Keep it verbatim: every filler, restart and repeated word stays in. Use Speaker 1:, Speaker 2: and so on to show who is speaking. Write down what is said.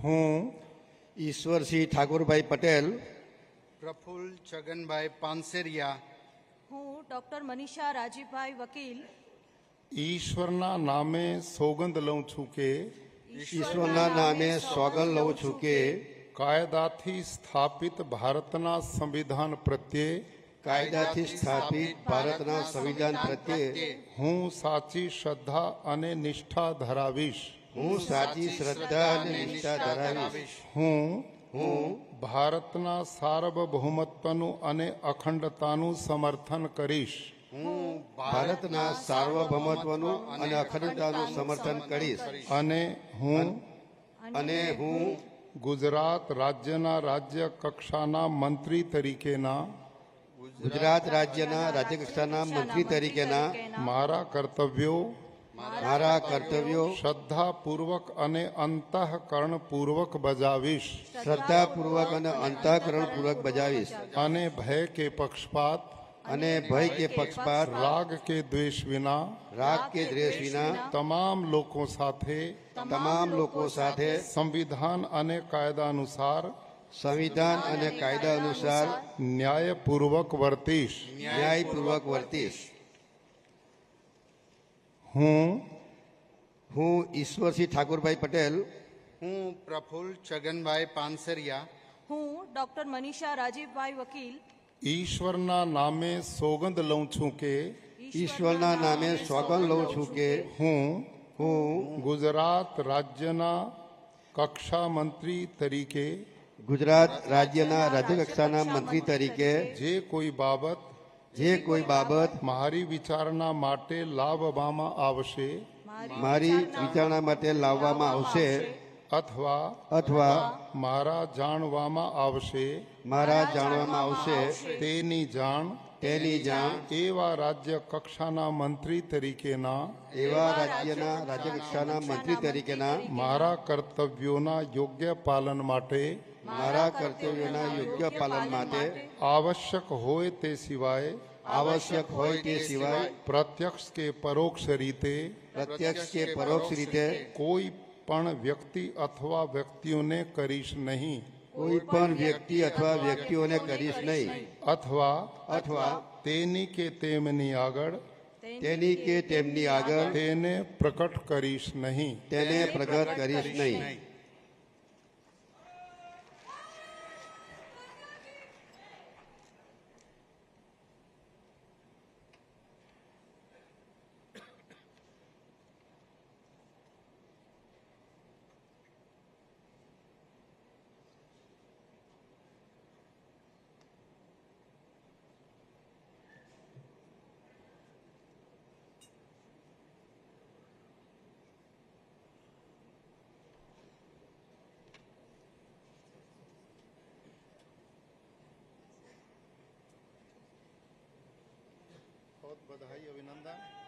Speaker 1: હું
Speaker 2: ઈશ્વરસિંહ ઠાકોરભાઈ પટેલ
Speaker 3: પ્રફુલ્લ છગનભાઈ પાનસેરિયા
Speaker 4: હું ડોક્ટર મનીષા રાજીભાઈ વકીલ
Speaker 1: ઈશ્વરના નામે સોગંદ લઉં છું કે
Speaker 2: ઈશ્વરના નામે સોગંદ લઉં છું કે
Speaker 1: કાયદાથી સ્થાપિત ભારતના સંવિધાન પ્રત્યે
Speaker 2: કાયદાથી સ્થાપિત ભારતના સંવિધાન પ્રત્યે
Speaker 1: હું સાચી શ્રદ્ધા અને નિષ્ઠા ધરાવીશ.
Speaker 2: હું સાચી શ્રદ્ધા અને નિષ્ઠા ધરાવીશ.
Speaker 1: હું
Speaker 2: હું
Speaker 1: ભારતના સાર્વભૌમત્વનું અને અખંડતાનું સમર્થન કરીશ.
Speaker 2: હું ભારતના સાર્વભૌમત્વનું અને અખંડતાનું સમર્થન કરીશ.
Speaker 1: અને હું
Speaker 2: અને હું
Speaker 1: ગુજરાત રાજ્યના રાજ્ય કક્ષાના મંત્રી તરીકેના
Speaker 2: ગુજરાત રાજ્યના રાજ્યકક્ષાના મંત્રી તરીકેના
Speaker 1: મારા કર્તવ્યો
Speaker 2: મારા કર્તવ્યો
Speaker 1: શ્રદ્ધાપૂર્વક અને અંતઃકરણપૂર્વક બજાવીશ.
Speaker 2: શ્રદ્ધાપૂર્વક અને અંતઃકરણપૂર્વક બજાવીશ.
Speaker 1: અને ભય કે પક્ષપાત
Speaker 2: અને ભય કે પક્ષપાત
Speaker 1: રાગ કે દ્વેષ વિના
Speaker 2: રાગ કે દ્વેષ વિના
Speaker 1: તમામ લોકો સાથે
Speaker 2: તમામ લોકો સાથે
Speaker 1: સંવિધાન અને કાયદા અનુસાર
Speaker 2: સંવિધાન અને કાયદા અનુસાર
Speaker 1: ન્યાયપૂર્વક વર્તીશ.
Speaker 2: ન્યાયપૂર્વક વર્તીશ.
Speaker 1: હું
Speaker 2: હું ઈશ્વરસિંહ ઠાકોરભાઈ પટેલ
Speaker 3: હું પ્રફુલ્લ છગનભાઈ પાનસેરિયા
Speaker 4: હું ડોક્ટર મનીષા રાજીભાઈ વકીલ
Speaker 1: ઈશ્વરના નામે સોગંદ લઉં છું કે
Speaker 2: ઈશ્વરના નામે સોગંદ લઉં છું કે
Speaker 1: હું
Speaker 2: હું
Speaker 1: ગુજરાત રાજ્યના કક્ષા મંત્રી તરીકે
Speaker 2: ગુજરાત રાજ્યના રાજ્યકક્ષાના મંત્રી તરીકે
Speaker 1: જે કોઈ બાબત
Speaker 2: જે કોઈ બાબત
Speaker 1: મારી વિચારણા માટે લાવવામાં આવશે
Speaker 2: મારી વિચારણા માટે લાવવામાં આવશે
Speaker 1: અથવા
Speaker 2: અથવા
Speaker 1: મારા જાણવામાં આવશે
Speaker 2: મારા જાણવામાં આવશે
Speaker 1: તેની જાણ
Speaker 2: તેની જાણ
Speaker 1: એવા રાજ્ય કક્ષાના મંત્રી તરીકેના
Speaker 2: એવા રાજ્યના રાજ્યકક્ષાના મંત્રી તરીકેના
Speaker 1: મારા કર્તવ્યોના યોગ્ય પાલન માટે
Speaker 2: મારા કર્તવ્યોના યોગ્ય પાલન માટે
Speaker 1: આવશ્યક હોય તે સિવાય
Speaker 2: આવશ્યક હોય તે સિવાય
Speaker 1: પ્રત્યક્ષ કે પરોક્ષ રીતે
Speaker 2: પ્રત્યક્ષ કે પરોક્ષ રીતે
Speaker 1: કોઈ પણ વ્યક્તિ અથવા વ્યક્તિઓને કરીશ નહીં
Speaker 2: કોઈ પણ વ્યક્તિ અથવા વ્યક્તિઓને કરીશ નહીં
Speaker 1: અથવા
Speaker 2: અથવા
Speaker 1: તેની કે તેમની આગળ
Speaker 2: તેની કે તેમની આગળ
Speaker 1: તેને પ્રકટ કરીશ નહીં.
Speaker 2: તેને પ્રગટ કરીશ નહીં.
Speaker 1: बहुत बधाई, अभिनंदन.